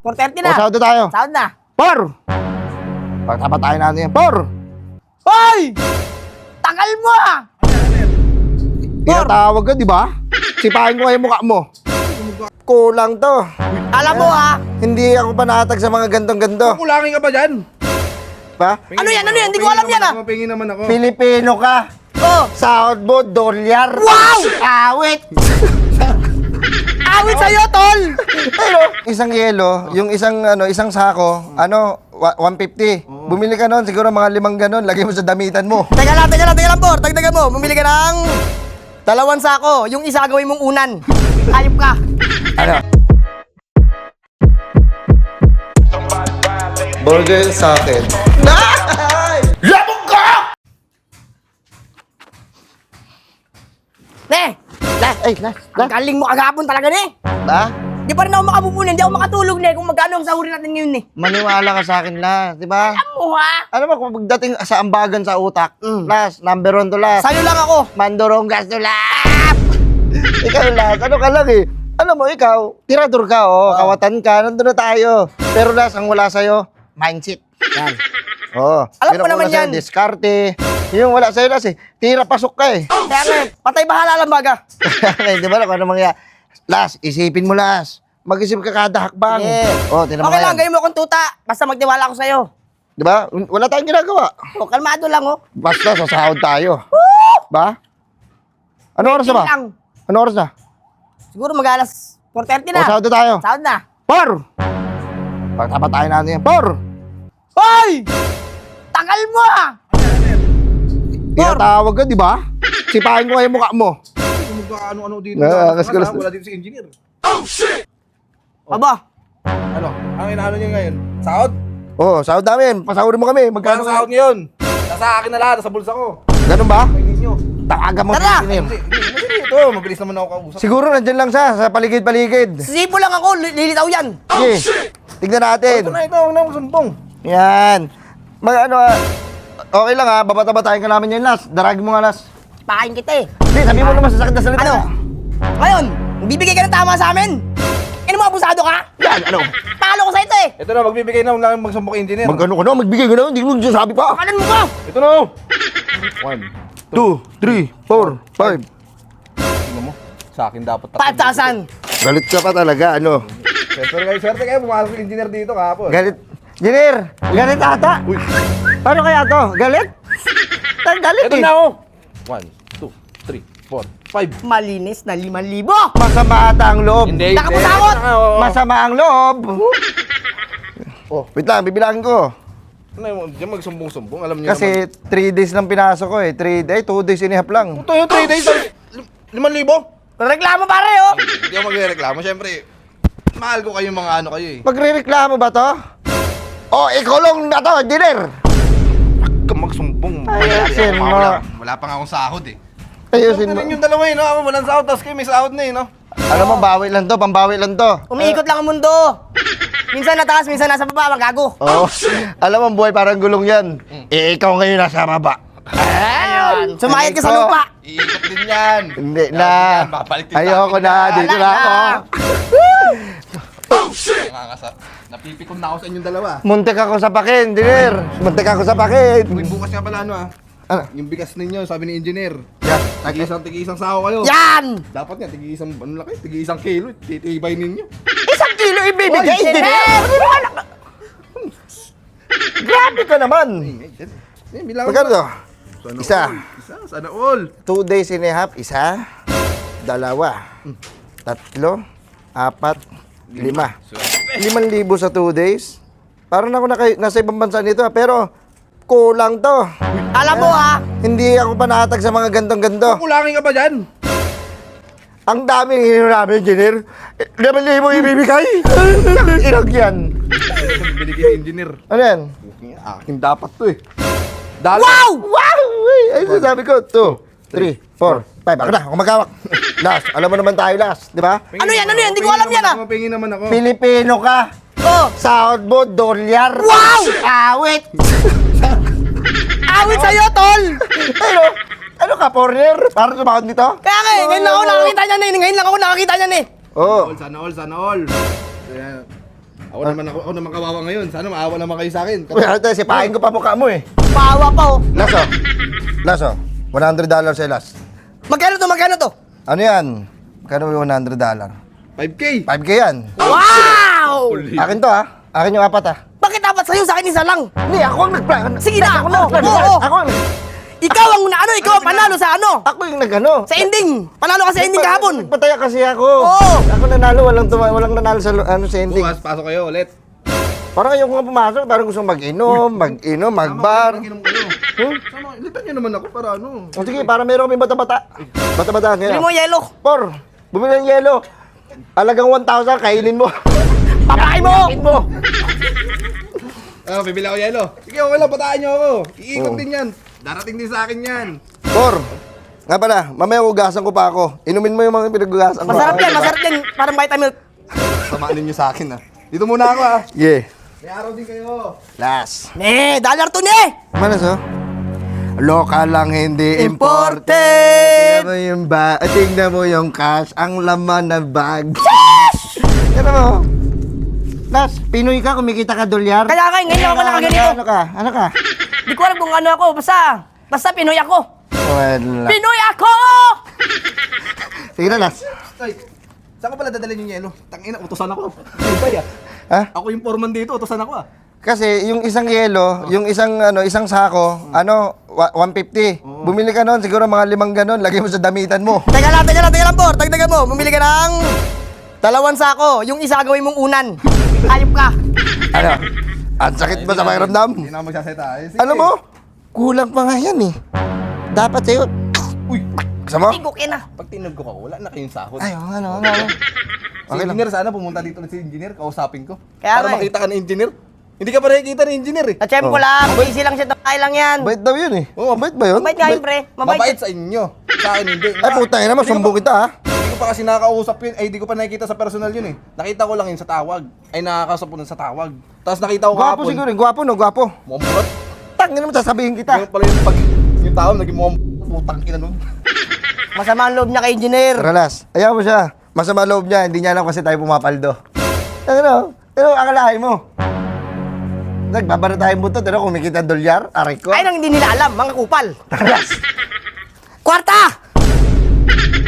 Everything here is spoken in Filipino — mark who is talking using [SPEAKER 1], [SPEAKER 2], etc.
[SPEAKER 1] 4:30 na.
[SPEAKER 2] O, sahod na tayo.
[SPEAKER 1] Sahod na.
[SPEAKER 2] Por! Pagtapatayin natin yan. Por!
[SPEAKER 1] Hoy! Tagal mo ah!
[SPEAKER 2] Tinatawag ka, di ba? Sipahin ko yung mukha mo. Kulang to.
[SPEAKER 1] Alam mo ha?
[SPEAKER 2] Hindi ako panatag sa mga gantong-ganto.
[SPEAKER 3] Kulangin ka ba dyan?
[SPEAKER 2] Pa?
[SPEAKER 1] Ano yan? Ano yan? Hindi ko alam yan ah.
[SPEAKER 3] Pingin naman ako.
[SPEAKER 2] Pilipino ka.
[SPEAKER 1] Oh!
[SPEAKER 2] Sahod mo, dolyar.
[SPEAKER 1] Wow!
[SPEAKER 2] Awit!
[SPEAKER 1] Awit sa'yo, tol!
[SPEAKER 2] Pero, isang yelo, yung isang sako, 150. Bumili ka nun, siguro mga 5 ganon, lagay mo sa damitan mo.
[SPEAKER 1] Teka lang, Por. Dagdagan mo. Bumili ka ng 2 sako. Yung isa gawin mong unan. Ayop ka.
[SPEAKER 2] Ano? Burger sa akin. Labog ka!
[SPEAKER 1] Ne! Ang galing mo kagapon talaga, ne!
[SPEAKER 2] Ba?
[SPEAKER 1] Di pa rin ako makapupunin. Hindi ako makatulog, ne. Kung magkano ang sahurin natin ngayon, ne.
[SPEAKER 2] Maniwala ka sa akin na, di ba?
[SPEAKER 1] Alam mo, ha?
[SPEAKER 2] Ano ba kung pagdating sa ambagan sa utak? Last, number 1 to last.
[SPEAKER 1] Sa'yo lang ako.
[SPEAKER 2] Mandoronggas to last. Ikaw last, ano ka lang eh. Alam mo, ikaw, tirador ka, kawatan ka, nandun na tayo. Pero last, ang wala sa'yo, mindset. Yan. Oo.
[SPEAKER 1] Alam
[SPEAKER 2] Pero
[SPEAKER 1] ko naman
[SPEAKER 2] wala sa'yo,
[SPEAKER 1] yan.
[SPEAKER 2] diskarte. Yung wala sa'yo last eh, tira pasok ka eh.
[SPEAKER 1] Kaya nga, patay bahala lang baga.
[SPEAKER 2] Di ba, kung ano mangyayari? Last, isipin mo last. Mag-isip ka kada hakbang.
[SPEAKER 1] Yeah.
[SPEAKER 2] Tinan mo
[SPEAKER 1] Okay lang,
[SPEAKER 2] yan.
[SPEAKER 1] gawin mo akong tuta. Basta magtiwala ako sa'yo.
[SPEAKER 2] Di ba? Wala tayong ginagawa.
[SPEAKER 1] Kalmado lang, oh.
[SPEAKER 2] Basta sasahod tayo. Ba? Ano oras na ba?
[SPEAKER 1] Lang.
[SPEAKER 2] Ano oras na?
[SPEAKER 1] Siguro mag-alas 4:30 na.
[SPEAKER 2] O, sahod na tayo.
[SPEAKER 1] Sahod na.
[SPEAKER 2] Por! Pagtapatayin natin yan. Por!
[SPEAKER 1] Hoy! Tagal mo ah!
[SPEAKER 2] Tinatawag ka, di ba? Sipahin ko yung mukha mo.
[SPEAKER 3] Ano dito?
[SPEAKER 2] Nakakaskulas.
[SPEAKER 3] Wala dito si engineer.
[SPEAKER 1] Aba,
[SPEAKER 3] Ano? Ang inaano niyo ngayon? Sahod?
[SPEAKER 2] Oo, sahod namin. Pasahurin mo kami. Magkano
[SPEAKER 3] Magkano sahod ngayon? Nasa akin na lahat, nasa bulsa ko.
[SPEAKER 2] Ganun ba?
[SPEAKER 3] Kainin niyo.
[SPEAKER 2] Tawagan mo
[SPEAKER 1] Tara!
[SPEAKER 2] si engineer.
[SPEAKER 3] Hindi, ito. Mabilis naman ako kausap.
[SPEAKER 2] Siguro nandyan lang siya sa paligid-paligid.
[SPEAKER 1] sipo lang ako. Lilitaw yan.
[SPEAKER 2] Sige, tignan natin.
[SPEAKER 3] Ito na, huwag na sumbong.
[SPEAKER 2] Yan. Okay lang ha, babata-batayin ka namin yan last. Daragin mo nga last.
[SPEAKER 1] Pakain kita eh.
[SPEAKER 2] Hindi, sabihin mo naman sa sakit na salita.
[SPEAKER 1] Ano? Ngayon, bibigay ka ng tama sa amin? Ano mo, abusado ka?
[SPEAKER 2] Yan, ano?
[SPEAKER 1] Talo ko sa ito eh.
[SPEAKER 3] Ito na, magbibigay na lang magsumbong kay engineer.
[SPEAKER 2] Magkano ka na, magbigay ka na, hindi mo sabi pa.
[SPEAKER 1] Pakanan mo ko!
[SPEAKER 3] Ito na. 1,
[SPEAKER 2] 2, 3, 4, 5.
[SPEAKER 3] tingnan mo. Sa akin dapat
[SPEAKER 1] 5,000.
[SPEAKER 2] Galit ka pa talaga, ano?
[SPEAKER 3] Swerte kayo, pumasok yung engineer dito kahapon.
[SPEAKER 2] Galit. Jenner, galit ata.
[SPEAKER 3] Uy,
[SPEAKER 2] Paano kaya to? Galit? Galit
[SPEAKER 3] ito
[SPEAKER 2] eh.
[SPEAKER 3] na oh. 1, 2, 3, 4, 5.
[SPEAKER 1] Malinis na 5,000.
[SPEAKER 2] Masama ata ang loob.
[SPEAKER 3] Hindi.
[SPEAKER 1] Nakapusakot!
[SPEAKER 2] Masama ang loob.
[SPEAKER 3] Oh.
[SPEAKER 2] Wait lang, bibilangin ko.
[SPEAKER 3] Ano, diyan magsumbong-sumbong, alam niyo
[SPEAKER 2] Kasi 3 days lang pinasok ko eh. 2 days and a half lang.
[SPEAKER 3] naman. Ito yung 3 days, 5,000.
[SPEAKER 1] Reklamo pare oh.
[SPEAKER 3] Hindi ako magreklamo, syempre. Mahal ko kayo mga ano kayo eh.
[SPEAKER 2] Magre-reklamo ba to? Oh, ikulong na to, Jenner.
[SPEAKER 3] Huwag kang magsumbong.
[SPEAKER 2] Ayusin mo.
[SPEAKER 3] Wala pa nga akong sahod eh.
[SPEAKER 2] Ayusin mo.
[SPEAKER 3] Ganun yung dalawa eh, no? Ako walang sahod, tapos kayo may sahod na eh, no?
[SPEAKER 2] Alam mo, bawi lang to, pambawi lang to.
[SPEAKER 1] Umiikot lang ang mundo. Minsan nataas, minsan nasa baba, magago.
[SPEAKER 2] Oh, alam mo, buhay parang gulong yan. Eh, ikaw ngayon nasa baba.
[SPEAKER 1] Ayun. Sumayad ka sa
[SPEAKER 2] Ikaw.
[SPEAKER 1] lupa.
[SPEAKER 3] Iikot din yan.
[SPEAKER 2] Hindi na.
[SPEAKER 3] Babalik din
[SPEAKER 2] Ayoko
[SPEAKER 3] tayo.
[SPEAKER 2] na, dito na ako.
[SPEAKER 3] Napipikon na ako sa inyong dalawa.
[SPEAKER 2] Muntik ako sa pakin, Jenner. Muntik ako sa pakin.
[SPEAKER 3] Uy, bukas nga pala ano ah.
[SPEAKER 2] Ano?
[SPEAKER 3] Yung bigas ninyo, sabi ni engineer.
[SPEAKER 2] Yan.
[SPEAKER 3] Tigi-isang saho kayo.
[SPEAKER 1] Yan!
[SPEAKER 3] Dapat nga, tigi-isang, ano laki? Tigi-isang kilo, titibay ninyo.
[SPEAKER 2] 1 kilo ibibigay,
[SPEAKER 1] Oy,
[SPEAKER 2] Jenner. Grabe ka naman.
[SPEAKER 3] Bilang
[SPEAKER 2] Magkano to? Isa.
[SPEAKER 3] Sana all.
[SPEAKER 2] 2 days and a half, isa, 2, 3, 4, 5, 5,000 sa 2 days. Parang ako nasa ibang bansa nito pero kulang to.
[SPEAKER 1] Alam mo ha?
[SPEAKER 2] Hindi ako panatag sa mga gantong-ganto.
[SPEAKER 3] Kulangin ka ba dyan?
[SPEAKER 2] Ang dami ng hino namin, engineer. 5,000 ibibigay. Irag yan.
[SPEAKER 3] Bili kayo engineer.
[SPEAKER 2] Ano yan?
[SPEAKER 3] Akin dapat to eh. Dalo.
[SPEAKER 1] Wow!
[SPEAKER 2] Wow! Ay, sabi ko, 2, 3, 4, 5. Ako na, ako magkawak. Last, alam mo naman tayo last, di ba?
[SPEAKER 1] Ano yan? Ano yan? Hindi ko alam yan ah.
[SPEAKER 3] Pingin naman ako.
[SPEAKER 2] Pilipino ka.
[SPEAKER 1] Oh!
[SPEAKER 2] Sahod mo, dolyar.
[SPEAKER 1] Wow!
[SPEAKER 2] Awit!
[SPEAKER 1] Awit sa'yo, tol!
[SPEAKER 2] Ano ka, foreigner? Parang sumahod nito?
[SPEAKER 1] Kaya nga eh, ngayon lang ako nakakita niyan eh. Ngayon lang ako nakakita niyan eh.
[SPEAKER 2] Oo.
[SPEAKER 3] Sana all. Ayan. Ako naman kawawa ngayon. Sana maawa naman kayo sa akin.
[SPEAKER 2] Uy, ate, sipahin ko pa mukha mo eh.
[SPEAKER 1] Paawa pa oh.
[SPEAKER 2] Laso. Laso. $100 sa last.
[SPEAKER 1] Magkano to?
[SPEAKER 2] Ano yan? Magkano yung $100?
[SPEAKER 3] 5K!
[SPEAKER 2] 5K yan.
[SPEAKER 1] Wow!
[SPEAKER 2] Akin to ha. Akin yung apat ha.
[SPEAKER 1] Bakit dapat sa'yo? Sa akin isa lang.
[SPEAKER 2] Hindi, ako ang nagplano.
[SPEAKER 1] Sige na,
[SPEAKER 2] Ako
[SPEAKER 1] oo,
[SPEAKER 2] nagplano.
[SPEAKER 1] oo.
[SPEAKER 2] Ako ang...
[SPEAKER 1] Ikaw ang ikaw ang panalo sa ano?
[SPEAKER 2] Ako yung nagano.
[SPEAKER 1] Sa ending. Panalo ka sa ending kahapon.
[SPEAKER 2] Nagpataya kasi ako.
[SPEAKER 1] Oo.
[SPEAKER 2] Ako nanalo, walang nanalo sa sa ending.
[SPEAKER 3] Bukas, pasok kayo ulit.
[SPEAKER 2] Parang ayoko nga pumasok, parang gusto mag-inom, magbar.
[SPEAKER 3] Mag-inom kayo. Sama, litan nyo naman ako para ano.
[SPEAKER 2] O sige, para meron kami bata-bata. Bata-bata
[SPEAKER 1] Bili
[SPEAKER 2] ngayon.
[SPEAKER 1] mo yelo.
[SPEAKER 2] Por, bumili ng yelo. Alagang 1,000, kainin mo.
[SPEAKER 1] Papain mo.
[SPEAKER 2] Kainin mo.
[SPEAKER 3] Bibili ako yelo. Sige, okay lang, pataan nyo ako. Iikot din yan. Darating din sa akin yan.
[SPEAKER 2] Por, nga pala, mamaya ugasan ko pa ako. Inumin mo yung mga pinag-ugasan ko.
[SPEAKER 1] Masarap yan. Parang vitamin.
[SPEAKER 3] Samaan ninyo sa akin Dito muna ako
[SPEAKER 2] Yeah.
[SPEAKER 3] May araw din kayo.
[SPEAKER 2] Last.
[SPEAKER 1] Dollar to ne.
[SPEAKER 2] Manas oh. Local lang, hindi
[SPEAKER 1] Imported.
[SPEAKER 2] imported. Tingnan mo yung tingnan mo yung cash, ang laman ng bag. Tingnan mo. Last, Pinoy ka, kumikita ka dolyar.
[SPEAKER 1] Kaya ngayon ako nakaganito.
[SPEAKER 2] Ano ka?
[SPEAKER 1] Di ko alam kung ano ako. Basta Pinoy ako.
[SPEAKER 2] Wala.
[SPEAKER 1] Pinoy ako!
[SPEAKER 2] Sige na, last.
[SPEAKER 3] Ay, saan ko pala dadalhin yung yelo? Tangina, utusan ako. Ano ba yan?
[SPEAKER 2] Ha?
[SPEAKER 3] Ako yung foreman dito, utusan ako
[SPEAKER 2] Kasi yung isang yelo, yung isang sako, 150. Bumili ka noon, siguro mga 5 ganon, lagay mo sa damitan mo.
[SPEAKER 1] Teka lang, Por. Tagdagan mo. Bumili ka ng 2 sako. Yung isa gawin mong unan. Hayop ka.
[SPEAKER 2] Ano? Ang sakit ba sa pakiramdam?
[SPEAKER 3] Hindi na ako magsaseta. Sige.
[SPEAKER 2] Ano mo? Kulang pa nga yan eh. Dapat sa'yo.
[SPEAKER 3] Uy,
[SPEAKER 2] Gusto mo?
[SPEAKER 1] Tigukin na.
[SPEAKER 3] pag tinag ko wala na kayong sahod.
[SPEAKER 2] Ay, ano.
[SPEAKER 3] Si
[SPEAKER 2] Okay lang.
[SPEAKER 3] engineer, sana pumunta dito si engineer, kausapin ko.
[SPEAKER 1] Kaya
[SPEAKER 3] Para
[SPEAKER 1] nga eh.
[SPEAKER 3] makita ka ng engineer. Hindi ka pa nakikita ng engineer eh.
[SPEAKER 1] At ko lang. Busy lang siya. Takay lang yan.
[SPEAKER 2] Bait daw yun eh.
[SPEAKER 3] Oo,
[SPEAKER 2] Mabait ba yun?
[SPEAKER 1] Mabait nga yun, pre.
[SPEAKER 3] Mabait sa inyo. Sa akin hindi.
[SPEAKER 2] Ay, puta yun naman, sumbong kita ha.
[SPEAKER 3] Hindi ko pa kasi nakakausap yun. Ay, hindi ko pa nakikita sa personal yun eh. Nakita ko lang yun sa tawag. Ay, nakakausap ko nun sa tawag. Tapos nakita ko
[SPEAKER 2] Gwapo
[SPEAKER 3] kahapon.
[SPEAKER 2] siguro eh. Gwapo no, gwapo.
[SPEAKER 3] Mukhang
[SPEAKER 2] Tangin naman, sasabihin kita.
[SPEAKER 3] Yung pala yung pag yung tao naging mukhang putang ina nun.
[SPEAKER 1] Masama ang loob niya kay engineer.
[SPEAKER 2] Ralas, ayaw mo siya. Masama loob niya, hindi niya alam kasi tayo pumapaldo. Ano? Pero akalain mo. Nagbabara tayong buto, pero kumikita dolyar, aray ko.
[SPEAKER 1] Ay nang hindi nila alam. Mga kupal.
[SPEAKER 2] Ralas.
[SPEAKER 1] Kwarta!